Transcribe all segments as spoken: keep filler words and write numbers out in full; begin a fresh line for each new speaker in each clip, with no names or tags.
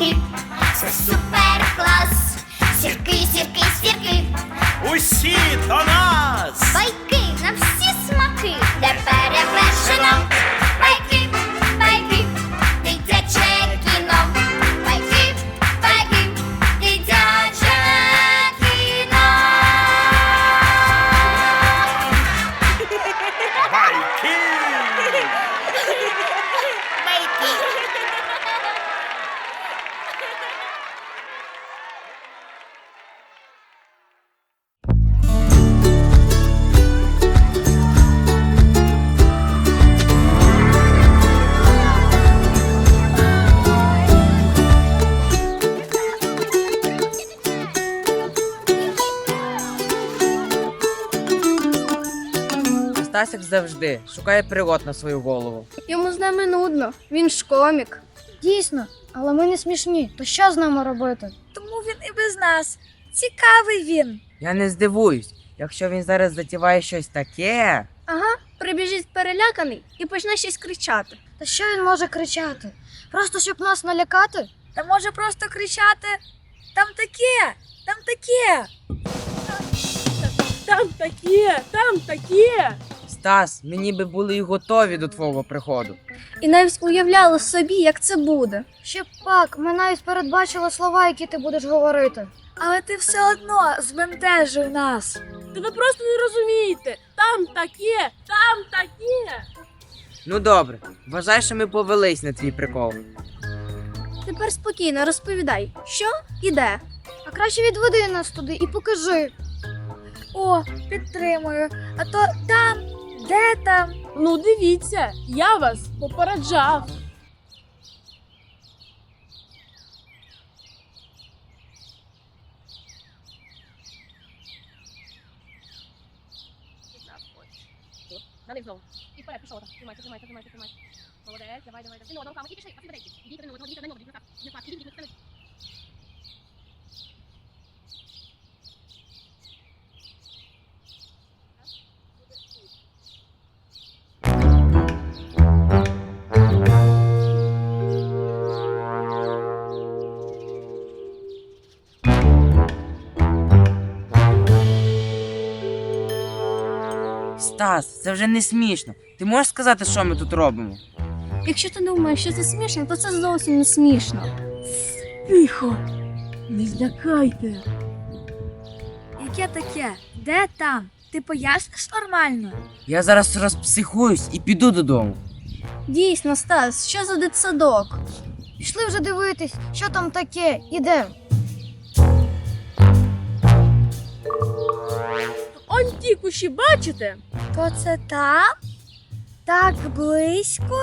сірки, це супер клас. Сірки, сірки, сірки,
Усі до нас!
байки на всі смаки, де перевершено. Байки, байки, дитяче кіно. Байки, байки, дитяче кіно.
Байки!
Стасик завжди шукає пригод на свою голову.
Йому з нами нудно, він ж комік.
Дійсно, але ми не смішні. То що з нами робити?
Тому він і без нас. Цікавий він.
Я не здивуюсь, якщо він зараз затіває щось таке.
Ага, прибіжить переляканий і почне щось кричати.
Та що він може кричати? Просто щоб нас налякати?
Та може просто кричати: там таке, там таке.
Там таке, там таке.
Стас, ми ніби були й готові до твого приходу.
І навіть уявляли собі, як це буде.
Ще б пак, ми навіть передбачили слова, які ти будеш говорити.
Але ти все одно збентежив нас.
Та ви просто не розумієте. Там таке, там таке.
Ну добре, вважай, що ми повелись на твій прикол.
Тепер спокійно розповідай, що і де.
А краще відведи нас туди і покажи.
О, підтримую. А то там, де там?
Ну дивіться, я вас попереджав. Далі знову. І вперед, пішов так. Тримайся, тримайся, тримайся, тримайся. Молодець, давай, давай, давай. Ну, руками, і пішли, а всі батарейки. Ідіть один одного, ідіть один одного, ідіть на так. Не так, ідіть, ідіть, ідіть.
Стас, це вже не смішно. Ти можеш сказати, що ми тут робимо?
Якщо ти думаєш, що це смішно, то це зовсім не смішно.
Тихо. Не злякайте.
Яке таке? Де там? Ти поясниш нормально?
Я зараз розпсихуюсь і піду додому.
Дійсно, Стас, що за дитсадок?
Пішли вже дивитись, що там таке. Ідем.
Он ті кущі, бачите?
То це там? Так близько?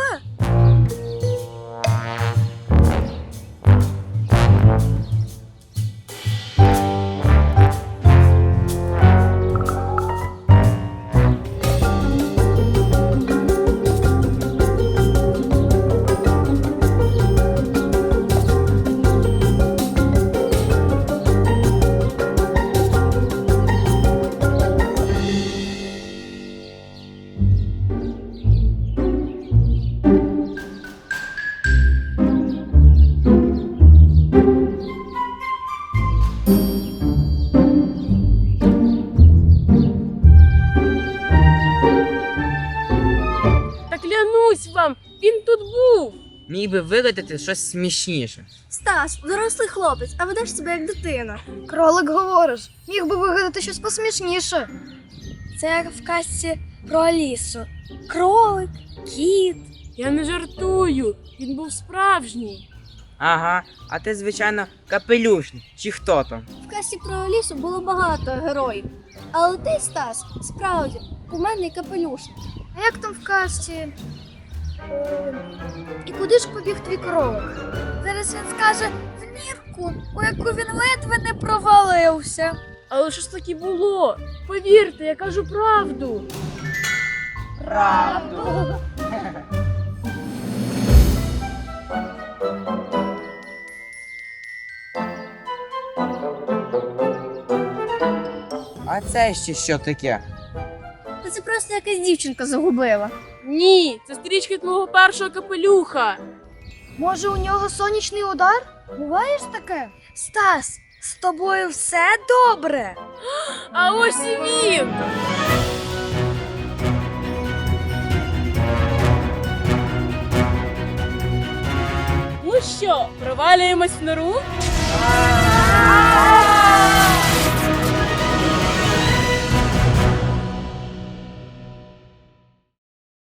Та клянусь вам, він тут був.
Міг би вигадати щось смішніше.
Стас, дорослий хлопець, а ведеш себе як дитина.
Кролик говориш. Міг би вигадати щось посмішніше.
Це як в казці про Алісу. Кролик, кіт.
Я не жартую, він був справжній.
Ага, а ти, звичайно, капелюшник. Чи хто там?
В касі про Алісу було багато героїв. Але ти, Стас, справді, у мене капелюшник.
А як там в казці? Е, І куди ж побіг твій кролик?
Зараз він скаже в нірку, у яку він ледве не провалився.
Але що ж таки було? Повірте, я кажу правду.
Правду. А це ще що таке?
Та це просто якась дівчинка загубила.
Ні, це стрічки твого першого капелюха.
Може, у нього сонячний удар?
Буває ж таке? Стас, з тобою все добре?
А ось і він! Ну що, провалюємось в нору?